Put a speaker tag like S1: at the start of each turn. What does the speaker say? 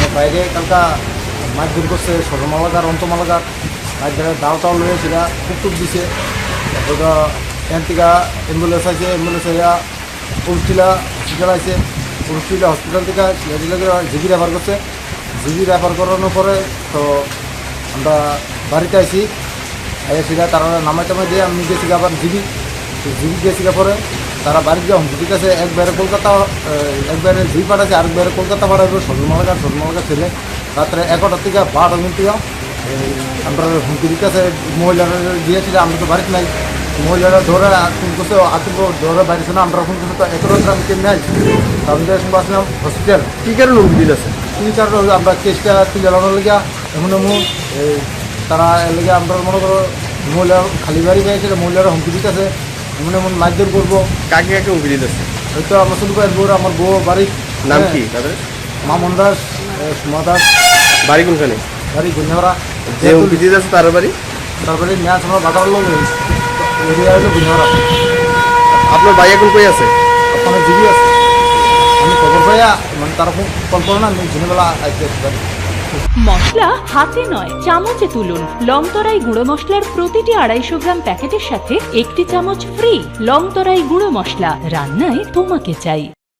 S1: বাইরে কালকা মাছ দূর করছে সরমালাগার অন্তমালাগার মাছ ধরে দাও টাও লয়ে সেটা খুব দিছে তারপর এখান থেকে অ্যাম্বুলেন্স আছে অ্যাম্বুলেন্স উলটিলা হসপিটাল আছে উলটিলা হসপিটাল থেকে জিবি রেফার করছে জিবি রেফার করানোর পরে তো আমরা বাড়িতে আসি সেটা তারা নামাই টামাই দিয়ে আমি গেছি আবার জিবি গেছি পরে তারা বাড়িতে যাও ঠিক আছে একবারে কলকাতা একবারে জিবি পাঠাচ্ছে আরেকবারে কলকাতা পাঠাবে সরমালাগার ছেলে রাত্রে 11টার থেকে 12টার মধ্যে আমরা হুমকির কাছে মহিলারা দিয়েছিল আমরা তো বাড়িতে নাই মহিলারা ধরে ফোন করছে আতঙ্ক ধরে বাড়িছে না আমরা ফোন করছি তো 11 আমি কেমনি আসছি আমাদের সঙ্গে আসলাম হসপিটাল
S2: কী কারণে হুমকি দিতেছে
S1: তিন চার আমরা কেসটা তুলে লেগে এমন তারা লেগে আমরা মনে করো মহিলা খালি বাড়ি পেয়েছিল মহিলারা হুমকি দিতেছে এমন মারধর করবো
S2: কাকে কাকে হুমকি দিতেছে?
S1: হয়তো আমার শুধু আমার বউ বাড়ির
S2: নাম কি তাদের?
S1: মামন দাস সুমা দাস
S2: বাড়ি কোনখানে?
S1: বাড়ি গুঞ্জাওড়া
S2: যে হুমকি দিতেছে তার বাড়ি?
S1: তারপরে ম্যাচ আমরা বাটার লোক এরিয়া হলো গুঞ্জাওড়া।
S2: আপনার ভাই এখন কই আছে?
S1: ওখানে জিবি আছে আমি খবর পাইয়া মানে তারা কল করো না আমি দিনেবেলা আসতে পারি।
S3: মশলা হাতে নয় চামচে তুলুন। লংতরাই গুঁড়ো মশলার প্রতিটি 250 গ্রাম প্যাকেটের সাথে 1টি চামচ ফ্রি। লংতরাই গুঁড়ো মশলা, রান্নায় তোমাকে চাই।